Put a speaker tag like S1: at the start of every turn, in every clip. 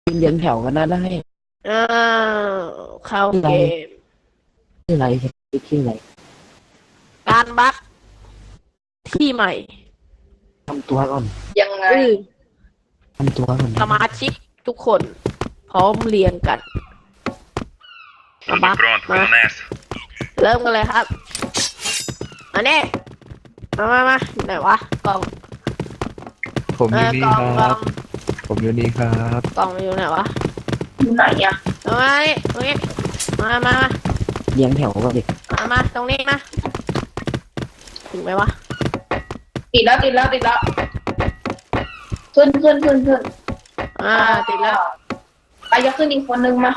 S1: เรียงแถวกันนะได้
S2: อ้าวเข้าเกม
S1: ชื่ออะไรชื่ออะไร
S2: การบัคที่ใหม่
S1: ทำตัวก่อน
S3: ยังไง
S1: ทำตัวก่อน
S2: สมาชิกทุกคนพร้อมเรียงกันบัคมาเริ่มกันเลยครับอันนี้มาไหนวะกล่อง
S4: ผมอยู่นี่ค
S2: กล่องกล่
S4: รั
S2: อบ ง
S4: ผมอยู่นี่ครับ
S2: กล่องอยู่ไหนวะ
S3: อยู่ไหนอะ
S2: เอามานี่ตรงนี้มา
S1: เรียงแถวก่อนดิ
S2: มาตรงนี้มาถึงไหมวะ
S3: ติดแล้วขึ้น
S2: ติดแล้ว
S3: ไปจะขึ้นอีกคนนึงมา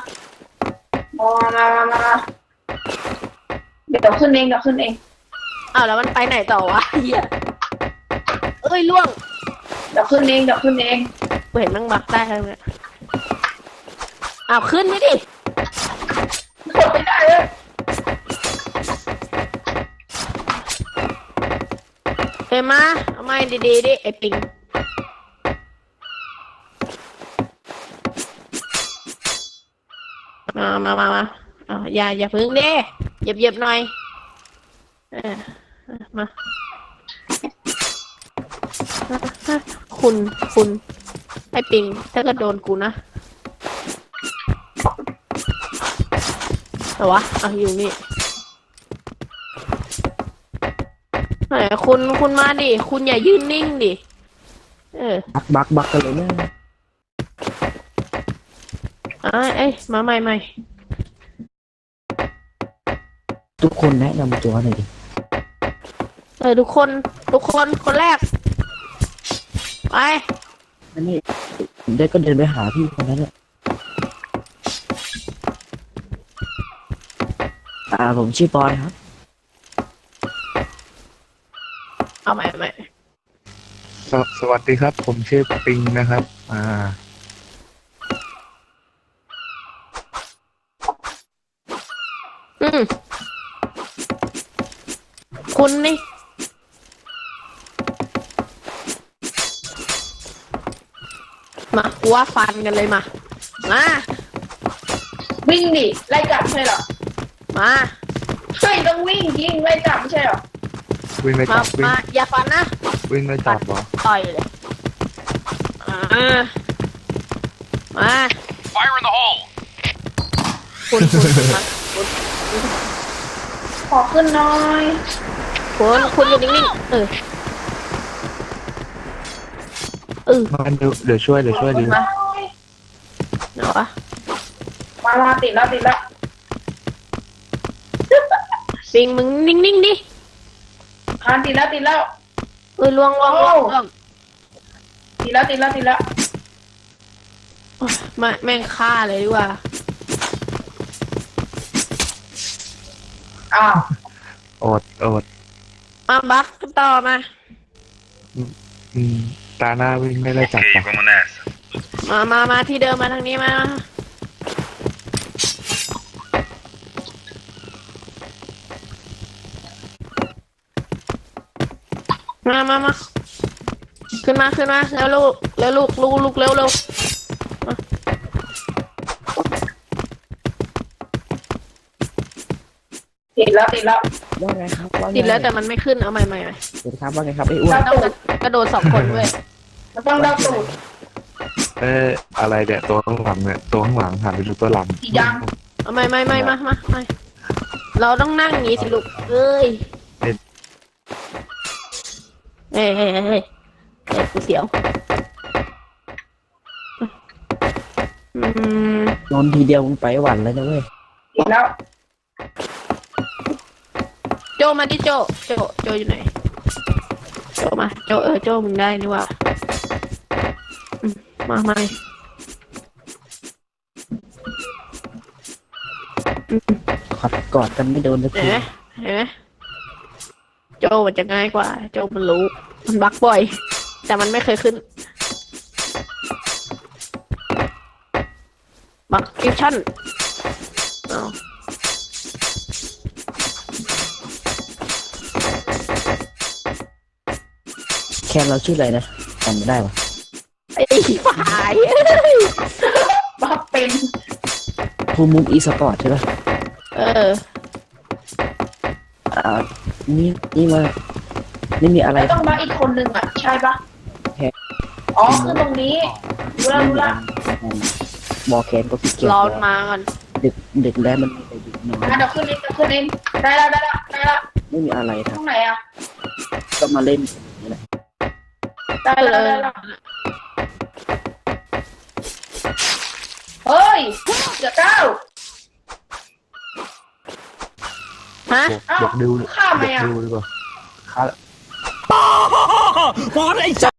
S3: เดี๋ยวขึ้นเอง
S2: อ้าวแล้วมันไปไหนต่อวะเฮียเอ้ยล่วง
S3: เดี๋ยวขึ้นเอง
S2: กูเห็นมันบักได้แล้วเนี่ยอ้าวขึ้นไม่ดิ
S3: กดไม่ได้เลย
S2: เฮ้ยมาเอาไม้ดีดิไอปิงมาเอาอย่าพึ่งดิเหยียบหน่อยมาคุณไอปิงถ้าก็โดนกูนะแต่วะเอาอยู่นี่ไหนคุณมาดิคุณอย่ายืนนิ่งดิ
S1: บักกันเลยนะ
S2: เอ้ยมาใหม่
S1: ทุกคนแนะนำตัวหน่อยดิ
S2: ทุกคนคนแรกไป
S1: อันนี้ได้ก็เดินไปหาพี่คนนั้นแหละผมชื่อปอนครับ
S2: เอาใหม่
S4: สวัสดีครับ ผมชื่อปิงนะครับ
S2: คุณนี่มาว่าฟันกันเลยมา
S3: วิ่งดิไล่จับใช่หรอ
S2: มา
S3: ใช่ต้องวิ่งยิงไล่จับใช่หรอ
S4: วิ่งไล่จับ
S2: มาอย่าฟันนะ
S4: วิ่งไล่จับเหรอ
S2: ต่อยเลยมา
S5: Fire in the hole
S2: คุณ
S3: ขอขึ้นหน่อย
S2: คุณอยู่นิ่งๆ
S4: มาเดี๋ยวช่วยดู
S3: มา
S2: เนาะ
S3: มาติดแล้ว
S2: ปิงมึงนิ่งๆดิ
S3: ติดแล้ว
S2: ล่วง
S3: ติดแล้ว
S2: แม่งฆ่าเลยดีกว่า
S4: อด
S2: มาบักต่อมา
S4: ตาหน้าวิ่งไม่ไล่จับ
S2: มาที่เดิมมาทางนี้มาขึ้นมาแล้วลูกเร็ว
S3: ติดแล้ว
S1: ว่าไงครับ
S2: ติดแล้วแต่มันไม่ขึ้นเอาใหม่
S1: สวัสดีครับว่าไงครับไอ้อ้วน
S2: ต้องกระโดด2 คนด้วย
S3: มันต้องเล่าตูด
S4: อะไรเนี่ยตัวข้างหลังหันไปดูตัวหลัง
S2: เอาไม่เราต้องนั่งอย่างนี้สิลูกเอ้ยเฮ้ยกูเสียว
S1: โดนทีเดียวมึงไปหวันแล้วนะเว้ย
S3: ติดแล้ว
S2: โจมาดิโจอยู่ไหนโจมาโจมึงได้นี่ว่ามาใหม่
S1: กอดกันไม่โดนสักที
S2: เห็นไหมโจมันจะง่ายกว่าโจมันรู้มันบักบ่อยแต่มันไม่เคยขึ้นบักฟิวชั่น
S1: แค่เราชื่ออะไรนะจำไม่ได้วะ
S2: ไอ้ฝ่าย
S3: เป็น
S1: ภูมิมุมอีสปอร์ตใช่ปะ
S2: เออ
S1: อ่านี่มาไม่มีอะไร
S3: แล้วต้องมาอีกคนหนึ่งอ่ะใช่ปะ
S1: แค่
S3: อ๋อคือตรงนี้รู้ละ
S1: บอแคนก็ขี้เกียจ
S2: รอมันมาก่อน
S1: ดึกแล้วมันมีแต่ดึกนอน
S3: เดี๋ยวขึ้นเองได้แล้ว
S1: ไม่มีอะไร
S3: ต
S1: ท
S3: รงไหนอ่ะ
S1: ำก็มาเล่นนี่แหละ
S3: ได้
S2: เอ
S3: แล้ว
S2: อ
S3: เฮ้ยเดี๋ยวก้าว
S2: ฮะ
S3: อ้าว
S4: อยากดู
S3: ข้ามไหม
S4: อยาก
S3: อ่ะ
S4: ดูดีกว่าข้า